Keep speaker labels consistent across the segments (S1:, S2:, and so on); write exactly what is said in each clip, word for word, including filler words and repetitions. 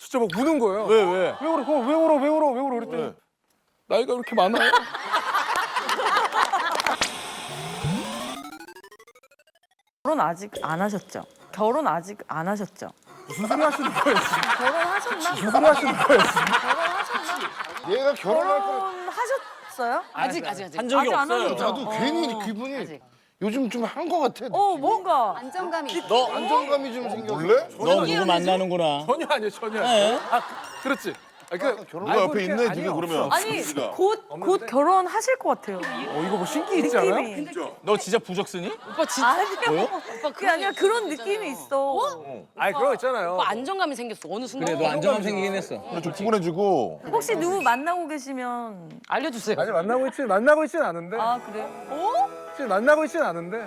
S1: 진짜 막 우는 거예요.
S2: 왜 왜?
S1: 왜 울어? 왜 울어? 왜 울어? 왜 울어? 그랬더니
S2: 왜?
S1: 나이가 그렇게 많아요?
S3: 결혼 아직 안 하셨죠? 결혼 아직 안 하셨죠?
S1: 무슨 소리 하시는 거예요? 지금?
S3: 결혼하셨나?
S1: 무슨 소리 하시는 거예요? 지금?
S3: 결혼하셨나?
S4: 얘가 결혼할 거
S3: 결혼하셨어요?
S5: 아직 아직 아직.
S2: 한 적이
S3: 아직 안
S2: 없어요.
S3: 하셨죠?
S4: 나도
S3: 어.
S4: 괜히 기분이
S5: 아직.
S4: 요즘 좀 한 거 같아.
S3: 어, 뭔가.
S6: 안정감이
S2: 너
S4: 안정감이 좀 생겨. 몰래?
S2: 너 누구 만나는구나.
S1: 전혀 아니에요, 전혀
S2: 네.
S1: 아니에요. 아, 그렇지. 아, 그
S4: 누가
S1: 알고
S4: 옆에
S1: 이렇게
S4: 있네,
S1: 아니에요,
S4: 지금 그러면.
S1: 없어.
S3: 아니,
S4: 진짜.
S3: 곧, 곧 결혼하실 것 같아요.
S1: 어, 이거 뭐 신기 있지 않아요?
S3: 느낌이.
S2: 너 진짜 부적 쓰니?
S5: 오빠 진짜
S3: 아니요. 그게 아니라 그런 느낌이 있어.
S1: 아니, 그런 거 있잖아요.
S5: 오빠 안정감이 생겼어. 어느 순간.
S2: 그래 너 안정감 생기긴 했어.
S4: 근데 좀 푸근해지고.
S3: 혹시 누구 만나고 계시면.
S5: 알려주세요.
S1: 아직 만나고 있지, 만나고 있진 않은데.
S3: 아, 그래요?
S1: 지금 만나고 있진 않은데.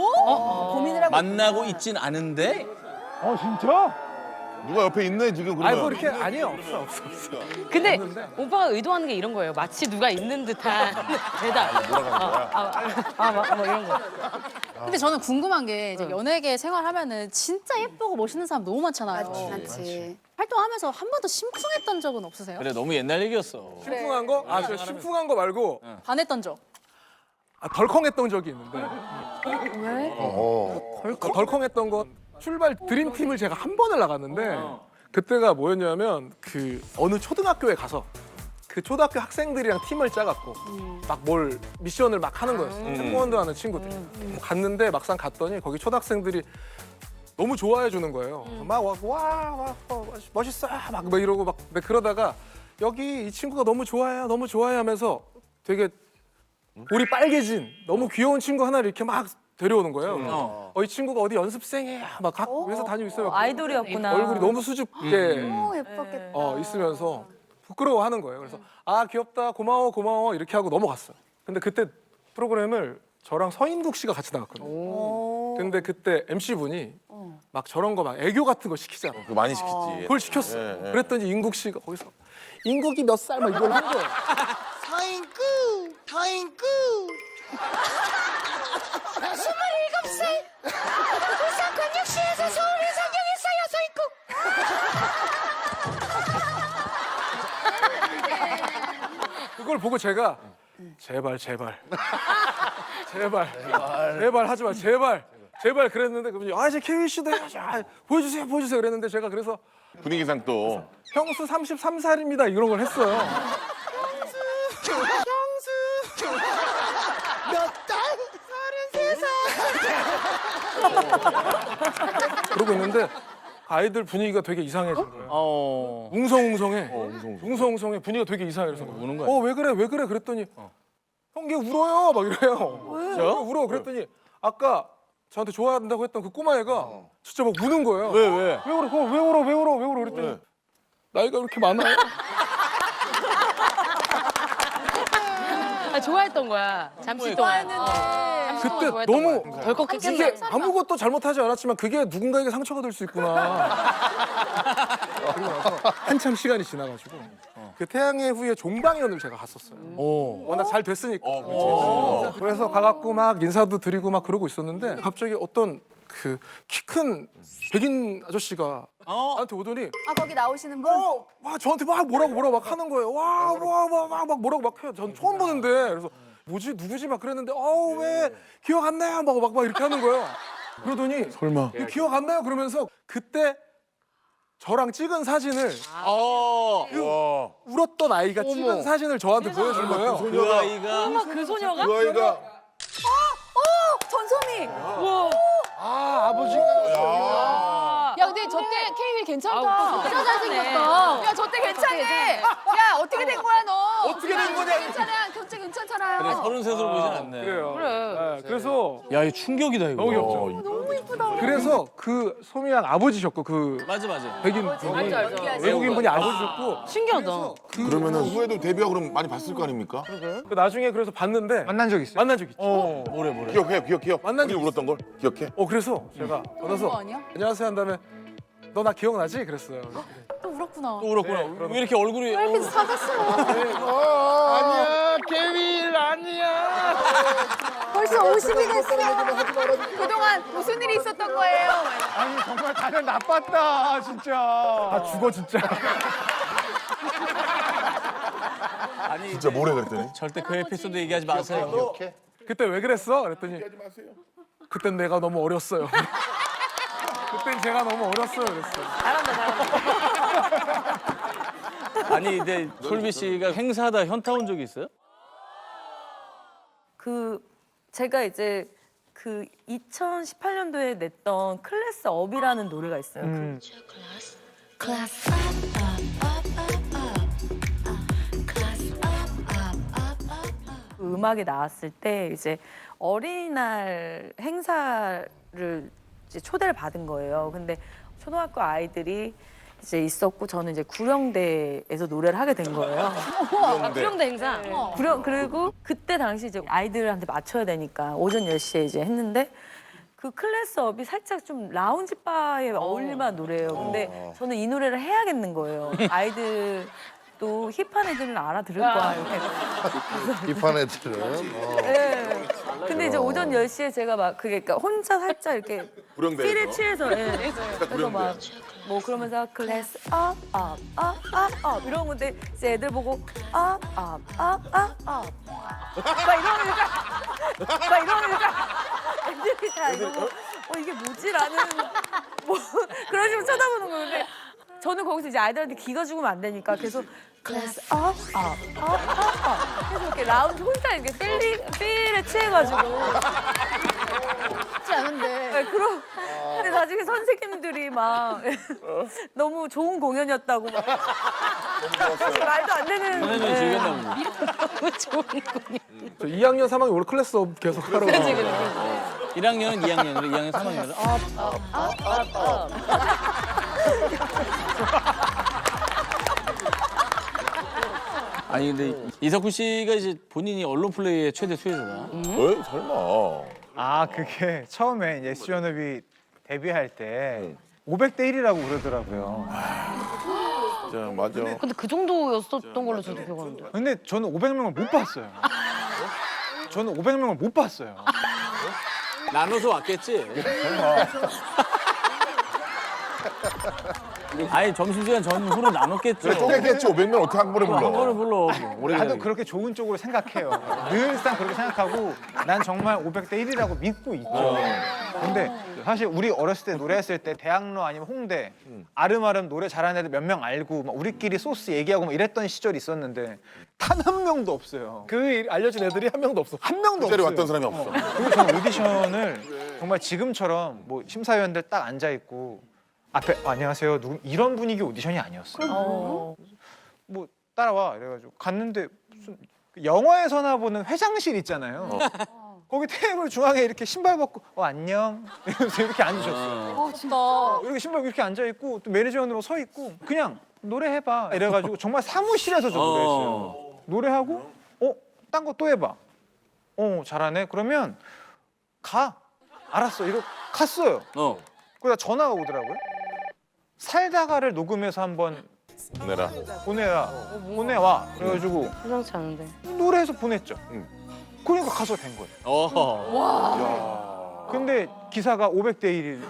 S6: 고민을 하고
S2: 만나고 있진 않은데?
S1: 어, 진짜?
S4: 누가 옆에 있네, 지금 그러면.
S1: 아니, 뭐 이렇게 아니요, 없어, 없어, 없어.
S5: 근데 오빠가 의도하는 게 이런 거예요. 마치 누가 있는 듯한 대답. 아, 아, 아, 막, 뭐 이런 거.
S7: 근데 저는 궁금한 게 이제 연예계 생활하면은 진짜 예쁘고 멋있는 사람 너무 많잖아요.
S6: 맞지, 맞지.
S7: 활동하면서 한 번도 심쿵했던 적은 없으세요?
S2: 그래 너무 옛날 얘기였어.
S1: 심쿵한 거? 아, 저 심쿵한 거 말고
S7: 반했던 적?
S1: 아, 덜컹했던 적이 있는데.
S7: 왜?
S4: 어.
S1: 그 덜컹했던 거 출발 드림팀을 제가 한 번을 나갔는데 그때가 뭐였냐면 그 어느 초등학교에 가서 그 초등학교 학생들이랑 팀을 짜갖고 막 뭘 미션을 막 하는 거였어요. 태권도 하는 친구들이. 갔는데 막상 갔더니 거기 초등학생들이 너무 좋아해 주는 거예요. 막 와 와 와 멋있어 막, 막 이러고 막 근데 그러다가 여기 이 친구가 너무 좋아해요 너무 좋아해 하면서 되게 볼이 빨개진 너무 귀여운 친구 하나를 이렇게 막 데려오는 거예요.
S2: 어.
S1: 어, 이 친구가 어디 연습생이야 막 각 회사 다니고 있어요.
S3: 아이돌이었구나.
S1: 얼굴이 너무 수줍게
S6: 너무 예뻤겠다.
S1: 어, 있으면서 부끄러워하는 거예요. 그래서 아 귀엽다 고마워 고마워 이렇게 하고 넘어갔어요. 근데 그때 프로그램을 저랑 서인국 씨가 같이 나갔거든요. 근데 그때 엠씨 분이 막 저런 거 막 애교 같은 거 시키잖아.
S4: 그거 많이 시켰지.
S1: 그걸 시켰어.
S4: 예, 예.
S1: 그랬더니 인국 씨가 거기서 인국이 몇 살 막 이걸 한 거예요.
S8: 서인구, 서인구. 스물일곱 살. 부산광역시에서 서울에 상경했어요, 서인구.
S1: 그걸 보고 제가 제발 제발 제발 제발 하지 마 제발 제발 그랬는데 그분이 아 이제 케이 씨도 해야지 아, 보여주세요 보여주세요 그랬는데 제가 그래서
S4: 분위기상 또.
S1: 형수 삼십삼 살입니다 이런 걸 했어요.
S8: 몇 달? 서른세 살.
S1: 그러고 있는데 아이들 분위기가 되게 이상해진 거예요.
S2: 어.
S1: 웅성웅성해.
S4: 웅성웅성.
S1: 웅성웅성해. 분위기가 되게 이상해. 그래서
S2: 우는 거야?
S1: 어, 왜 그래? 왜 그래? 그랬더니 형, 걔 울어요. 막 이래요. 진짜? 울어. 그랬더니 아까 저한테 좋아한다고 했던 그 꼬마애가 진짜 막 우는 거예요.
S2: 왜 왜?
S1: 왜 울어? 그거 왜 울어? 왜 울어? 왜 울어? 그랬더니
S4: 왜?
S1: 나이가 그렇게 많아요.
S5: 아, 좋아했던 거야. 잠시 동안. 어. 잠시 동안
S1: 그때
S5: 좋아했던
S1: 너무
S5: 거야. 덜컥했지.
S1: 이게 아무것도 잘못하지 않았지만 그게 누군가에게 상처가 될 수 있구나. 그리고 나서 한참 시간이 지나가지고 그 태양의 후예 종방연을 제가 갔었어요.
S2: 어.
S1: 워낙 잘 됐으니까.
S4: 어, 그렇지.
S1: 그래서 가갖고 막 인사도 드리고 막 그러고 있었는데 갑자기 어떤 그 키 큰 백인 아저씨가
S2: 어.
S1: 나한테 오더니
S6: 아 거기 나오시는 분?
S1: 어, 막 저한테 막 뭐라고 뭐라고 막 하는 거예요. 와, 와, 와, 막, 막 뭐라고 막 해요. 전 처음 보는데 그래서 뭐지 누구지 막 그랬는데 어우 왜 기억 안 나요? 막, 막, 막 이렇게 하는 거예요. 그러더니
S4: 설마.
S1: 이거 기억 안 나요? 그러면서 그때 저랑 찍은 사진을
S2: 어.
S4: 와.
S1: 울었던 아이가 찍은 사진을 저한테 보여준 거예요.
S2: 그 아이가
S5: 엄마 그 소녀가?
S4: 그 아이가.
S3: 전소미!
S5: 우와.
S4: 아, 아버지가. 야.
S7: 야 근데 저때 케이윌 괜찮다.
S5: 아,
S7: 진짜 잘생겼어.
S6: 야 저 때 괜찮네. 야 어떻게 된 거야 너?
S1: 어떻게 된 거냐?
S6: 괜찮아. 경제 괜찮잖아요.
S2: 그래 서른 셋으로 보이진 않네.
S1: 그래요.
S5: 그래.
S1: 네, 그래서
S2: 야 이 충격이다 이거.
S1: 너무 귀엽죠.
S6: 너무 이쁘다.
S1: 그래서 그 소미양 아버지셨고 그
S2: 맞아 맞아.
S1: 백인 분이
S5: 알죠, 알죠.
S1: 외국인 분이 아버지셨고
S5: 신기하다.
S4: 그러면은 후에도 데뷔하고 그럼 많이 봤을 거 아닙니까?
S1: 그 나중에 그래서 봤는데
S9: 만난 적 있어요?
S1: 만난 적 있죠.
S2: 어. 뭐래 뭐래.
S4: 기억해, 기억해요.
S1: 만난
S4: 우리
S1: 적
S4: 울었던 걸 기억해?
S1: 어 그래서 제가
S7: 그거
S1: 받아서
S7: 아니야?
S1: 안녕하세요 한 다음에 너 나 기억나지? 그랬어요.
S7: 또 울었구나.
S2: 또 울었구나. 왜 이렇게 얼굴이
S7: 왜 이렇게 사갔어?
S1: 아니야, 케빌 아니야.
S6: 벌써 오십이 됐어. 그동안 무슨 일이 있었던 거예요?
S1: 아니 정말 다들 나빴다 진짜. 아 죽어 진짜.
S2: 아니
S4: 진짜 뭐래 그랬더니?
S2: 절대 그 에피소드 얘기하지 마세요.
S1: 그때 왜 그랬어? 그랬더니 그땐 내가 너무 어렸어요. 그땐 제가 너무 어렸어요 그랬어요.
S5: 잘한다 잘한다.
S2: 아니 근데 솔비 씨가 행사하다 현타 온 적이 있어요?
S3: 그 제가 이제 그 이천십팔 년도에 냈던 클래스 업이라는 노래가 있어요. 그
S8: Class up, up, up, up, up. Class up, up, up, up, up.
S3: 그 음악이 나왔을 때 이제 어린이날 행사를 이제 초대를 받은 거예요. 근데 초등학교 아이들이 이제 있었고 저는 이제 구령대에서 노래를 하게 된 거예요.
S5: 아, 구령대 행사.
S3: 구령 그리고 그때 당시 이제 아이들한테 맞춰야 되니까 오전 열 시에 이제 했는데 그 클래스업이 살짝 좀 라운지 바에 어울릴 만한 노래예요. 근데 저는 이 노래를 해야겠는 거예요. 아이들 또 힙한 애들은 알아들을 거야. 이렇게.
S9: 힙한 애들은 어.
S3: 네. 근데 이제 오전 열 시에 제가 막 그게 그러니까 혼자 살짝 이렇게
S4: 구령대에서?
S3: 필에 취해서 예. 그래서 막 뭐 그러면서 클래스 업업업업업 이런 건데 이제 애들 보고 업업업업업 막 이러니까 막 이러니까 애들이 다 이러고 어 이게 뭐지라는 뭐 그런 식으로 쳐다보는 거는데 저는 거기서 이제 아이들한테 기가 죽으면 안 되니까 계속 클래스 업업업업업 계속 이렇게 라운드 혼자 이렇게 필리 필에 취해가지고
S7: 쉽지 않은데.
S3: 네, 그럼 근데 나중에 선생님들이 막 너무 좋은 공연이었다고 막 사실 말도 안 되는
S2: 선생님이
S3: 네.
S2: 즐겼나 보네.
S5: 너무 좋은 공연.
S1: 저 이 학년 삼 학년 원래 클래스업 계속 하라고.
S5: 그치 그치.
S2: 일 학년은 이 학년으로 이 학년 삼 학년으로 아니 근데 이석훈 씨가 이제 본인이 언론 플레이의 최대 수혜자다.
S4: 왜? 설마.
S10: 아 그게 처음에 이제 에스지연합이 데뷔할 때 오백 대 일이라고 그러더라고요.
S4: 진짜 맞아.
S5: 근데 그 정도였었던 걸로 저도 기억하는데.
S10: 근데 저는 오백 명을 못 봤어요. 저는 오백 명을 못 봤어요.
S2: 나눠서 왔겠지. 아니 점심시간 전후로 나눴겠죠.
S4: 그래 쪼개겠지 오백 명 어떻게 한 번에 불러?
S2: 한 번에 불러. 오래
S10: 나도
S2: 기다리게.
S10: 그렇게 좋은 쪽으로 생각해요. 늘상 그렇게 생각하고 난 정말 오백 대 일이라고 믿고 있죠. 근데 사실 우리 어렸을 때 노래했을 때 대학로 아니면 홍대 아름아름 노래 잘하는 애들 몇 명 알고 막 우리끼리 소스 얘기하고 막 이랬던 시절이 있었는데 단 한 명도 없어요.
S1: 그 일 알려준 애들이 한 명도 없어.
S10: 한 명도
S4: 그 자리에
S10: 없어요.
S4: 왔던 사람이 없어.
S10: 그리고 저는 오디션을 정말 지금처럼 뭐 심사위원들 딱 앉아 있고 앞에 어, 안녕하세요 누구 이런 분위기 오디션이 아니었어요.
S3: 어.
S10: 뭐 따라와 이래가지고 갔는데 무슨 영화에서나 보는 회장실 있잖아요. 거기 테이블 중앙에 이렇게 신발 벗고 어 안녕 이러면서 이렇게 앉으셨어요.
S7: 어 진짜.
S10: 이렇게 신발 이렇게 앉아 있고 또 매니저으로 서 있고 그냥 노래해봐 이래가지고 정말 사무실에서 저 노래했어요. 노래하고 어 딴 거 또 해봐. 어 잘하네. 그러면 가. 알았어. 이러고 갔어요.
S2: 어.
S10: 그러다 전화가 오더라고요. 살다가를 녹음해서 한번
S4: 내라.
S10: 보내라. 보내와. 그래가지고
S5: 심상치 않은데.
S10: 노래해서 보냈죠.
S4: 응.
S10: 그러니까 가서 된 거예요.
S2: 어.
S10: 근데 기사가 오백 대 일.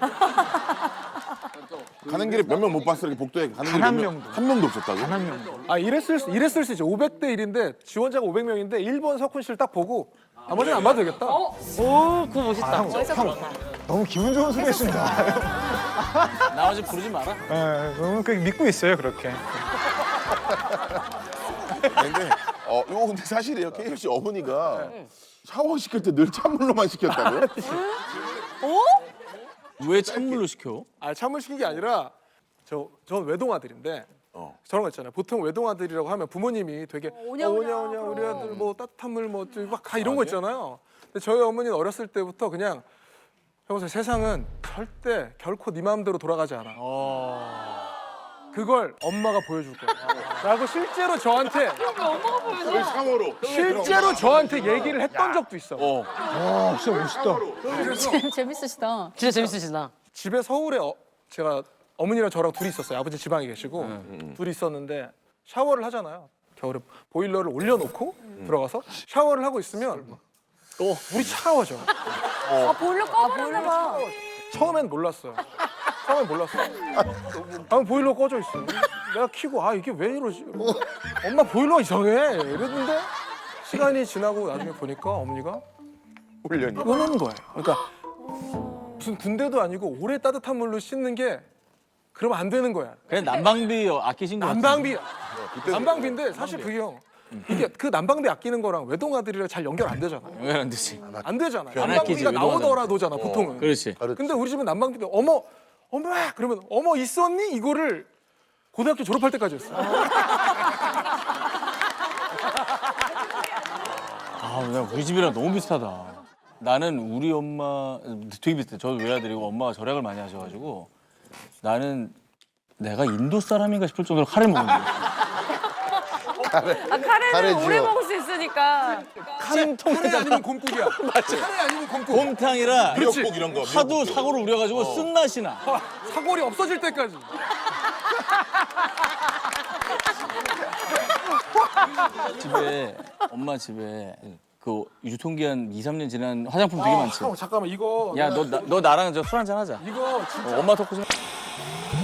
S4: 가는 길에 몇 명 못 봤어 이렇게 복도에 가는
S10: 단
S4: 길에
S10: 한
S4: 몇 명-
S10: 명도.
S4: 한 명도 없었다고?
S10: 단 한 명도.
S1: 아 이랬을 수 이랬을 수 있죠. 오백 대 일인데 지원자가 오백 명인데 일 번 석훈 씨를 딱 보고 나머지는 안 봐도 되겠다.
S5: 오 그거 멋있다.
S10: 형, 형, 너무 기분 좋은 소리 했습니다.
S2: 나머지 부르지 마라.
S10: 네, 너무 그 믿고 있어요 그렇게.
S4: 근데 어 이거 근데 사실이에요. 케이엘 씨 어머니가 샤워 시킬 때 늘 찬물로만 시켰다고요?
S2: 왜 찬물로 시켜?
S1: 아 찬물 시킨 게 아니라 저 전 외동아들인데
S4: 어.
S1: 저런 거 있잖아요. 보통 외동아들이라고 하면 부모님이 되게
S6: 오냐,
S1: 어,
S6: 오냐,
S1: 오냐 오냐 우리 아들 뭐 따뜻한 물뭐막 이런 거 있잖아요. 근데 저희 어머니는 어렸을 때부터 그냥 여보세요 세상은 절대 결코 네 마음대로 돌아가지 않아. 그걸 엄마가 보여줄 거야. 라고 실제로 저한테
S4: 그 샤워로.
S1: 실제로 저한테 얘기를 했던 적도 있어.
S4: 어.
S10: 와 진짜 멋있다.
S7: 재밌으시다.
S5: 진짜 재밌으시다.
S1: 집에 서울에 어, 제가 어머니랑 저랑 둘이 있었어요. 아버지 지방에 계시고 둘이 있었는데 샤워를 하잖아요. 겨울에 보일러를 올려놓고 들어가서 샤워를 하고 있으면 또 물이 차가워져.
S3: 아, 보일러 꺼버렸나 봐.
S1: 처음엔 몰랐어요. 처음엔 몰랐어. 아, 보일러 꺼져 있어. 내가 켜고 아 이게 왜 이러지? 엄마 보일러가 이상해. 이랬는데 시간이 지나고 나중에 보니까 어머니가
S4: 훈련이.
S1: 꺼놓은 거예요. 그러니까 무슨 군대도 아니고 오래 따뜻한 물로 씻는 게 그러면 안 되는 거야.
S2: 그냥 난방비 아끼신 거 같은데.
S1: 난방비. 난방비인데 사실 그게 형 이게 그 난방비 아끼는 거랑 외동아들이랑 잘 연결 안 되잖아.
S2: 왜 안 되지?
S1: 안 되잖아.
S2: 안 아끼지,
S1: 난방비가
S2: 외동아들은.
S1: 나오더라도잖아 보통은.
S2: 그렇지.
S1: 근데 우리 집은 난방비도 어머 어머 그러면 어머 있었니 이거를 고등학교 졸업할 때까지 했어.
S2: 아, 나 우리 집이랑 너무 비슷하다. 나는 우리 엄마 되게 비슷해. 저도 외아들이고 엄마가 절약을 많이 하셔가지고 나는 내가 인도 사람인가 싶을 정도로 카레 먹는다.
S3: 아, 카레는
S4: 카레지요.
S3: 오래 먹을 수 있으니까.
S1: 카레, 카레 아니면 곰국이야. 카레 아니면 곰국.
S2: 곰탕이라
S4: 미역국 이런 거.
S2: 하도 사고를 우려가지고 쓴맛이 나.
S1: 아, 사골이 없어질 때까지.
S2: 집에 엄마 집에 그 유통기한 이, 삼 년 지난 화장품 되게 많지.
S1: 형 잠깐만 이거
S2: 야, 너, 나, 너 나랑 저 술 한잔 하자.
S1: 이거 진짜
S2: 어, 엄마 토크 좀.